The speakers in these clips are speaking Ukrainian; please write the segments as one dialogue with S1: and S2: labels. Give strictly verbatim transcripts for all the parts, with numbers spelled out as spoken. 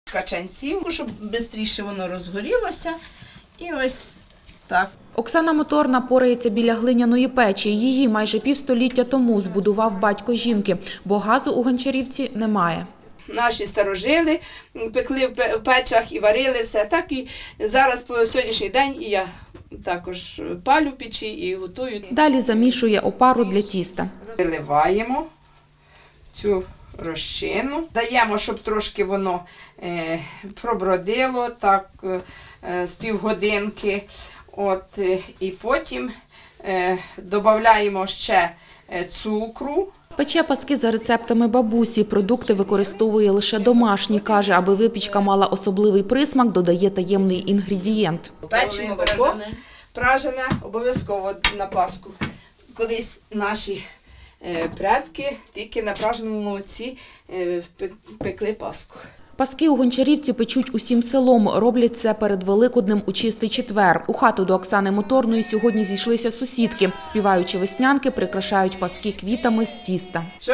S1: качанців, щоб швидше воно розгорілося. І ось так.
S2: Оксана Моторна порається біля глиняної печі. Її майже півстоліття тому збудував батько жінки, бо газу у Гончарівці немає.
S1: Наші старожили пекли в печах і варили все. Так і зараз по сьогоднішній день і я також палю в печі і готую.
S2: Далі замішує опару для тіста.
S1: Виливаємо цю розчину, даємо, щоб трошки воно е, пробродило, так е, з півгодинки. От, е, і потім е, додаємо ще е, цукру.
S2: Пече паски за рецептами бабусі. Продукти використовує лише домашні. Каже, аби випічка мала особливий присмак, додає таємний інгредієнт.
S1: Печі молоко пражене обов'язково на Пасху. Колись наші е, предки тільки на праженому молоці е, пекли Пасху.
S2: Паски у Гончарівці печуть усім селом. Роблять це перед Великоднем у Чистий четвер. У хату до Оксани Моторної сьогодні зійшлися сусідки. Співаючи веснянки, прикрашають паски квітами з тіста.
S1: Чом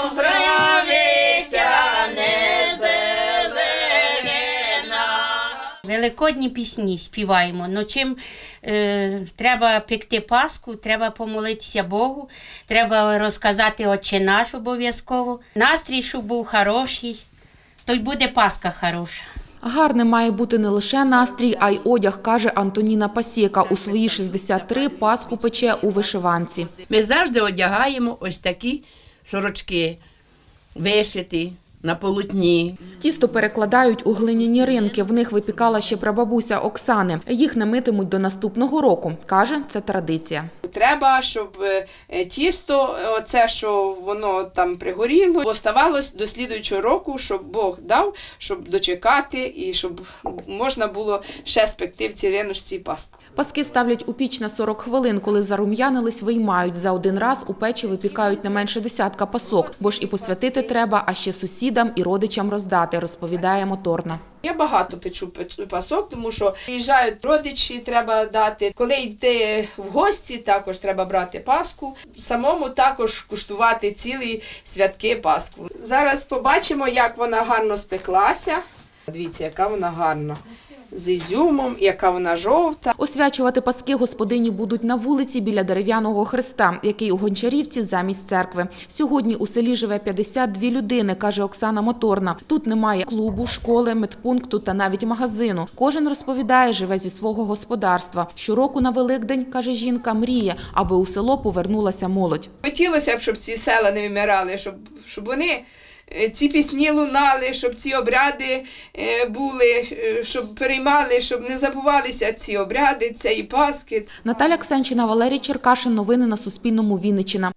S1: травиця не зелена.
S3: Великодні пісні співаємо. Ну, чим е, треба пекти Пасху, треба помолитися Богу, треба розказати Отче наш обов'язково. Настрій, щоб був хороший, то й буде Пасха хороша.
S2: Гарним має бути не лише настрій, а й одяг, каже Антоніна Пасєка. У свої шістдесят три Пасху пече у вишиванці.
S4: Ми завжди одягаємо ось такі сорочки, вишиті на полотні.
S2: Тісто перекладають у глиняні ринки. В них випікала ще прабабуся Оксани. Їх не митимуть до наступного року. Каже, це традиція.
S1: Треба, щоб е, тісто, оце, що воно там пригоріло, оставалось до слідуючого року, щоб Бог дав, щоб дочекати і щоб можна було ще спекти в цій риночці Пасху.
S2: Паски ставлять у піч на сорок хвилин. Коли зарум'янились, виймають. За один раз у печі випікають не менше десятка пасок. Бо ж і посвятити треба, а ще сусідам і родичам роздати, розповідає Моторна.
S1: Я багато печу пасок, тому що приїжджають родичі, треба дати. Коли йти в гості, також треба брати Пасху. Самому також куштувати цілі святки Пасху. Зараз побачимо, як вона гарно спеклася. Дивіться, яка вона гарна. З ізюмом, яка вона жовта.
S2: Освячувати паски господині будуть на вулиці біля дерев'яного хреста, який у Гончарівці замість церкви. Сьогодні у селі живе п'ятдесят дві людини, каже Оксана Моторна. Тут немає клубу, школи, медпункту та навіть магазину. Кожен, розповідає, живе зі свого господарства. Щороку на Великдень, каже жінка, мріє, аби у село повернулася молодь.
S1: Хотілося б, щоб ці села не вимирали, щоб, щоб вони... ці пісні лунали, щоб ці обряди були, щоб переймали, щоб не забувалися ці обряди, цієї Пасхи.
S2: Наталя Ксенчина, Валерій Черкашин. Новини на Суспільному. Вінниччина.